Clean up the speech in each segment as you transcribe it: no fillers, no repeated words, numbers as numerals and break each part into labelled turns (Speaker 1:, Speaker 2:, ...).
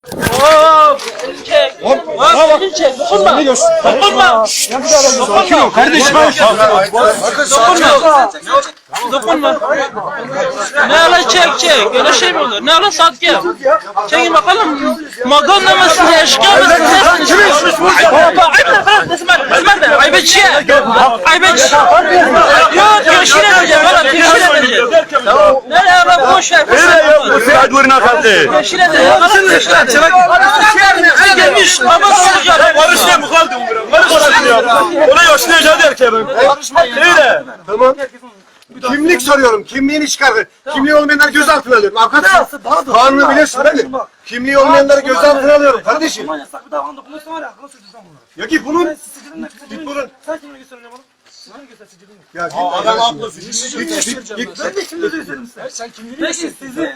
Speaker 1: Hop! Çek! Hop! Çek! Dokunma! Dokunma! Dokunma!
Speaker 2: Kardeşim
Speaker 1: Dokunma! Ne ala çek! Öyle şey mi olur? Ne ala sat gel! Çekin bakalım! Maganda mısın? Eşkıya mısın? Nesiniz? Esmer! Aybetçi! Aybetçi! Yok! Teşhir edeceğim! Valla teşhir edeceğim! Ne ala boş ver! Teşhir edeceğim! Teşhir edeceğim! Gelmiş! Baba soracağım!
Speaker 2: Barışmaya mı kaldım? Barışmayın ya. Ona yaşlayacağız erkeğe ben. Öyle.
Speaker 3: Tamam. Kimlik soruyorum. Kimliğini çıkar. Kimliği olmayanları gözaltına alıyorum. Avukat kanunu bilirsin değil mi? Kimliği olmayanları gözaltına alıyorum kardeşim. Ya git bunun. Git bunun.
Speaker 4: Sen kimliği gösteriyorsun bana?
Speaker 3: Ya git.
Speaker 2: Adam haklı.
Speaker 3: Git.
Speaker 4: Ben de kimliği gösteririm size. Sen kimliği gösteririm.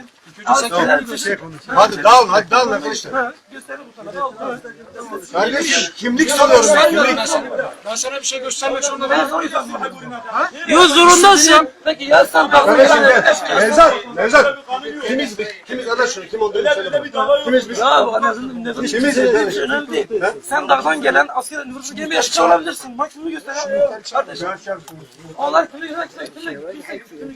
Speaker 3: Hadi dağılın arkadaşlar.
Speaker 4: Gösterin bu tarafa.
Speaker 3: Kardeşim kimlik soruyorum ben. Kimlik.
Speaker 2: Ben sana bir şey göstermek zorunda değilim.
Speaker 1: Yok zorundasın!
Speaker 4: Peki ya sen
Speaker 3: Kardeşim gel. Nevzat. Kimiz biz? Kimiz arkadaşlar? Kim olduğunu söyle bana. Kimiz biz?
Speaker 4: Ya bu nefesin
Speaker 3: Kimiz biz?
Speaker 4: önemli değil. Sen dağdan gelen asker nüfusu gemi yaşlı olabilirsin. Bak kimi göster. Kardeşim. Onlar kimi göster. Kimi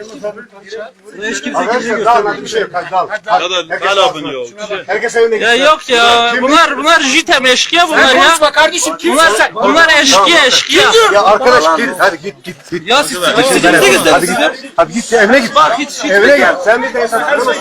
Speaker 4: göster.
Speaker 3: Arkadaşlar dağılın bir şey yok. Hadi dağılın.
Speaker 2: Hadi abone ol.
Speaker 3: Herkes evine
Speaker 1: Ya
Speaker 3: gitsin.
Speaker 1: yok ya! Bunlar jitem eşkıya bunlar ya!
Speaker 2: Kardeşim
Speaker 1: Bunlar eşkıya!
Speaker 3: Ya arkadaş git. Hadi git.
Speaker 1: Ya siz
Speaker 3: Hadi git evine git. Evine gel. Sen bir de hesap tutamazsın.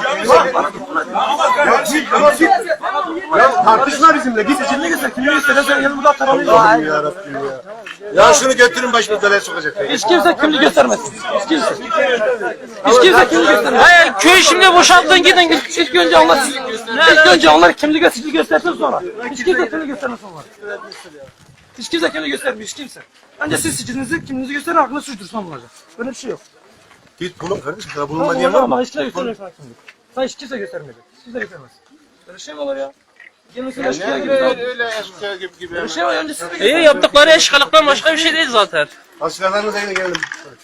Speaker 3: Ya git. Tamam git. Ya tartışma bizimle. Git.
Speaker 4: Kimliği göster. Kimliği göster. Sen yanımda burada tarafı.
Speaker 3: Allah'ım yarabbim ya. Ya şunu götürün başımız belaya sokacak.
Speaker 4: Hiç kimse kimliği göstermesin. Hiç kimse. Hiç kimse kimliği göstermesin.
Speaker 1: Hayır köy şimdi boşaltın gidin.
Speaker 4: İlk önce onlar kimliği göstersin sonra. Hiç kimse kimliği göstermesin onlar. Hiç kimse kimliği göstermiyor. Hiç kimse. Önce siz kimliğinizi gösterin aklına suçtursan bulacak. Böyle bir şey yok.
Speaker 3: Git bulun kardeşim. Sana bulunma diyen var mı?
Speaker 4: Ama hiç kimse göstermiyor sana kimlik. Sana hiç kimse göstermeyecek. Hiç kimse göstermez. Böyle şey mi olur ya? Gelmesin eşkıya gibi.
Speaker 2: Öyle eşkıya gibi.
Speaker 4: Böyle şey var önce siz de
Speaker 1: İyi yaptıkları eşkalıktan başka bir şey değil zaten.
Speaker 3: Askerlerinize yine gelin.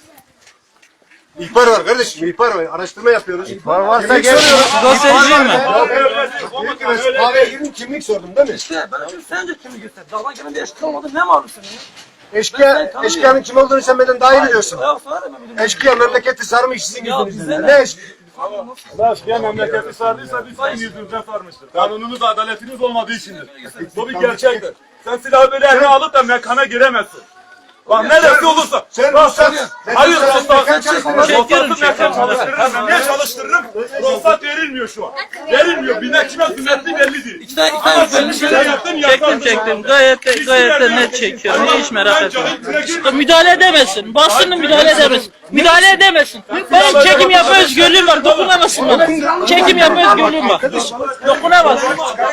Speaker 3: İhbar var kardeşim. İhbar var. Araştırma yapıyoruz. İhbar varsa
Speaker 1: Gazeteci mi?
Speaker 3: Kahveye girin kimlik sordum değil mi?
Speaker 4: İşte ben önce sen önce kimliği göster. Dağdan gelen bir eşkıya olmadı ne malum senin ya?
Speaker 3: Eşkıyanın kim olduğunu sen benden daha iyi biliyorsun.
Speaker 4: Ya sana da ben biliyorum.
Speaker 3: Eşkıya memleketi sarmış sizin
Speaker 4: Ya
Speaker 3: yüzünüzden.
Speaker 4: bize
Speaker 3: Ne eşkıya?
Speaker 2: Eşkıya memleketi sardıysa biz senin yüzünden sarmıştır. Kanununuz, adaletiniz olmadığı içindir. Bu bir gerçektir. Sen silahı böyle eline alıp da mekana giremezsin. Bak ne dersi olursa.
Speaker 3: Sen
Speaker 2: Ruhsat.
Speaker 3: ruhsat-
Speaker 2: Hayır
Speaker 3: sen
Speaker 2: ruhsat.
Speaker 3: çekiyorsun.
Speaker 2: Ruhsatı mekan çalıştırırım. Ben niye çalıştırırım? Ruhsat verilmiyor şu an. Verilmiyor. Bir kime sünnetli belli değil.
Speaker 4: İki tane
Speaker 2: Sen şey yaptın
Speaker 1: Çektim. Gayet de net çekiyorum. Hiç merak etme. Müdahale edemesin. Basının müdahale edemesin. Müdahale edemesin. Benim çekim yapma özgürlüğüm var. Dokunamasın bana. Çekim yapma özgürlüğüm var. Dokunamaz.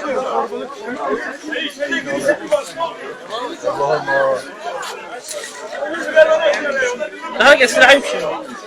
Speaker 1: Daha getireyim şimdi.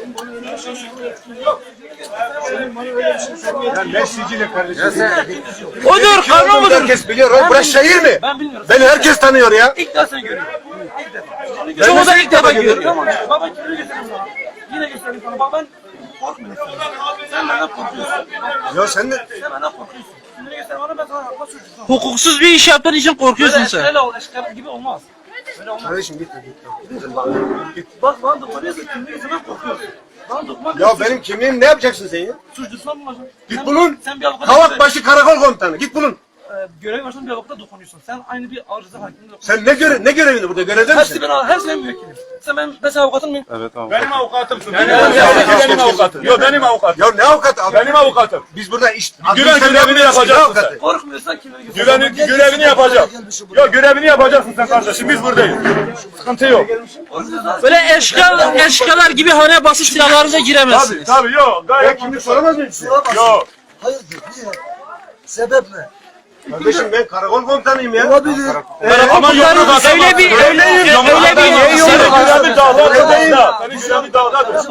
Speaker 3: Ya ne sicili kardeşim?
Speaker 1: Odur, kanun budur.
Speaker 3: Herkes biliyor. Oğlum burası şehir mi?
Speaker 4: Ben bilmiyorum.
Speaker 3: Beni herkes tanıyor ya.
Speaker 4: İlk defa seni görüyorum. İlk defa.
Speaker 1: Çoğu da ilk defa görüyor.
Speaker 4: Tamam. Baba kimliği göstereyim sana. Yine göstereyim sana. Bak ben korkmuyorum. Sen benden korkuyorsun.
Speaker 3: Ya sen de...
Speaker 4: Sen benden korkuyorsun. Kimliği göster bana ben sana akla suçlusun.
Speaker 1: Hukuksuz bir iş yaptığın için korkuyorsun sen.
Speaker 4: Öyle ol. Eşkıya gibi olmaz. Öyle olmaz.
Speaker 3: Kardeşim gitme.
Speaker 4: Bak bana dokunuyorsun. Kimliği göstermem korkuyorsun. Bana dokunmak
Speaker 3: Ya benim kimliğim ne yapacaksın sen ya?
Speaker 4: suçlusun mu hocam?
Speaker 3: Git bulun.
Speaker 4: Sen bir avukata
Speaker 3: Kavakbaşı karakol komutanı. Git bulun.
Speaker 4: görev başında bir avukata dokunuyorsun. Sen aynı bir arıza hakiminde dokunuyorsun.
Speaker 3: Sen ne görevini burada? Görevde misin?
Speaker 4: Hepsi benim müvekkilim. Sen mesela avukatın mıyım?
Speaker 2: benim avukatımsın. Benim avukatım. Yok benim avukatım.
Speaker 3: Ya ne avukatı abi?
Speaker 2: Benim avukatım.
Speaker 3: Biz burada iş...
Speaker 2: Güven görevini yapacaksın sen.
Speaker 4: Korkmuyorsan kimliği göster.
Speaker 2: Görevini yapacak. Yok görevini yapacaksın sen kardeşim. Biz buradayız. Sıkıntı yok.
Speaker 1: Böyle eşkalar gibi hane basıp silahlarınıza giremezsiniz.
Speaker 2: Tabii yok.
Speaker 3: Ya
Speaker 2: Gayet
Speaker 3: kimlik soramaz mıyım size?
Speaker 2: yok.
Speaker 5: Hayırdır? Niye? Sebep ne?
Speaker 3: Kardeşim ben karakol komutanıyım ya.
Speaker 5: Olabilir.
Speaker 2: Ama yumruk atamazsın.
Speaker 1: Öyle bir
Speaker 2: Senin görevi dağdadır. Senin görevi dağdadır.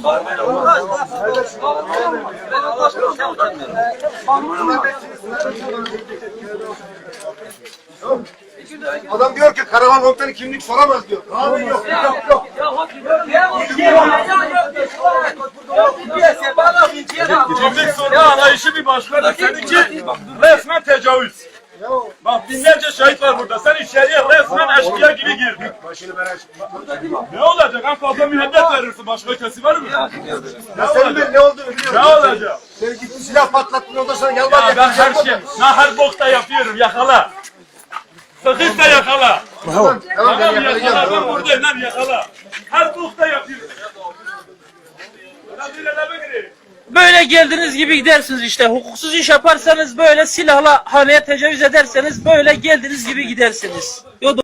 Speaker 3: Adam diyor ki karakol komutanı kimlik soramaz diyor. Abi yok.
Speaker 4: Ya
Speaker 2: Kimlik sorunu anlayışı bir başkadır. Seninki resmen tecavüz. Bak binlerce şahit var burada. Sen içeriye resmen eşkıya gibi girdin.
Speaker 3: Başını ben
Speaker 2: Ne olacak? En fazla müebbet verirsin. Başka ötesi var mı?
Speaker 3: Ya senin ben ne olduğunu biliyorum.
Speaker 2: Ne olacak?
Speaker 3: Sen gittin silah patlattın ondan sonra gel
Speaker 2: Ya
Speaker 3: bak.
Speaker 2: ben her şey, her bokta yapıyorum. Yakala. Sıkıysa yakala.
Speaker 3: Tamam ben
Speaker 2: Tamam yakala. Ben
Speaker 3: yakalayacağım.
Speaker 2: buradayım lan yakala. Her bokta yapıyorum. Biraz ilerleme gireyim.
Speaker 1: Böyle geldiğiniz gibi gidersiniz işte. Hukuksuz iş yaparsanız böyle silahla haneye tecavüz ederseniz böyle geldiğiniz gibi gidersiniz.